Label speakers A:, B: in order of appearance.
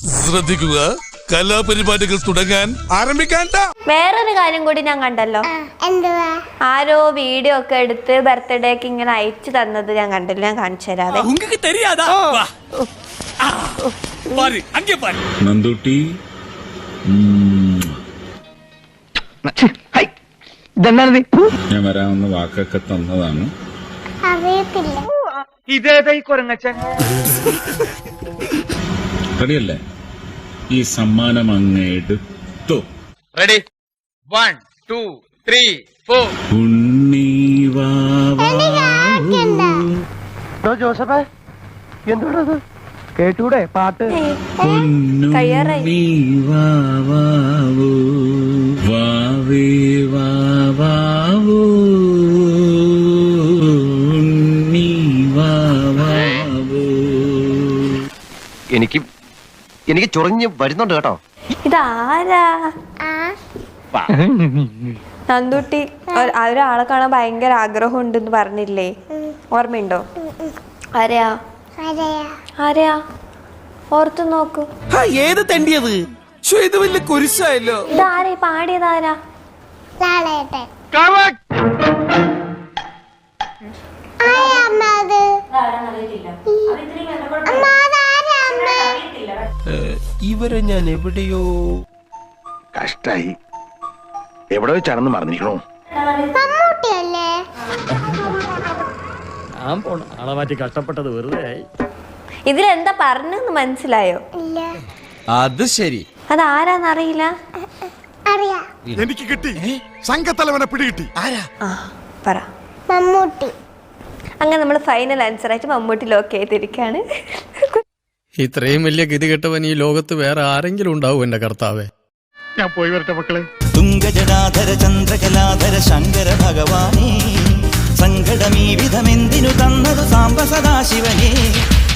A: ശ്രദ്ധിക്കുക, കലാപരിപാടികൾ തുടങ്ങാൻ ആരംഭിക്കാൻ.
B: വേറൊരു കാര്യം കൂടി ഞാൻ കണ്ടല്ലോ. ആരോ വീഡിയോ ഒക്കെ എടുത്ത് ബർത്ത്ഡേക്ക് ഇങ്ങനെ അയച്ചു തന്നത് ഞാൻ കണ്ടല്ലോ. ഞാൻ കാണിച്ചു തരാതെ.
C: നന്ദൂട്ടി ഞാൻ വരാവുന്ന വാക്കൊക്കെ തന്നതാണ്. റെഡിയല്ലേ? ഈ സമ്മാനം അങ്ങ് എടുത്തു.
D: റെഡി 1 2 3 4.
E: ജോസഫേ എന്തോടത് കേട്ടൂടെ പാട്ട്?
B: കഴിയാറായി.
E: എനിക്ക് ചൊറിഞ്ഞ് വരുന്നുണ്ട് കേട്ടോ.
B: ഇതാരാ? നന്ദുട്ടി ഒരാളെ കാണാൻ ഭയങ്കര ആഗ്രഹം ഉണ്ടെന്ന് പറഞ്ഞില്ലേ? ഓർമ്മയുണ്ടോ? ആരെയാ? ആരെയാ? ഓർത്തു നോക്കൂ.
A: ഏത് തെണ്ടിയത്? ഇത് വലിയ കുരിശായല്ലോ.
B: ഇതാരാ പാടിയതാരാ?
A: ഇവരെ ഞാൻ എവിടെയോ
E: കഷ്ടായി. എവിടെ വെച്ചാണെന്ന് മറന്നിരിക്കണോ?
F: ആളെ മാറ്റി കഷ്ടപ്പെട്ടത് വെറുതെ.
B: ഇതിലെന്താ പറഞ്ഞെന്ന് മനസ്സിലായോ?
A: അത് ശരി.
B: അതാരാന്നറിയില്ല.
A: എനിക്ക് കിട്ടി, സംഘത്തലവനെ പിടികിട്ടി. ആരാ?
B: പറ. മമ്മൂട്ടി. അങ്ങനെ നമ്മൾ ഫൈനൽ ആൻസർ ആയിട്ട് മമ്മൂട്ടി ലോക്ക് ചെയ്തിരിക്കാണ്.
F: ഇത്രയും വലിയ ഗതികെട്ടവൻ ഈ ലോകത്ത് വേറെ ആരെങ്കിലും ഉണ്ടാവും എന്റെ കർത്താവേ.
E: ഞാൻ പോയി വരട്ടെ മക്കളെ.
G: തുംഗജടാധര ചന്ദ്രകലാധര ശങ്കര ഭഗവാനേ, സങ്കടമീ വിധമെന്തിനു തന്നതു സാംബ സദാശിവനേ.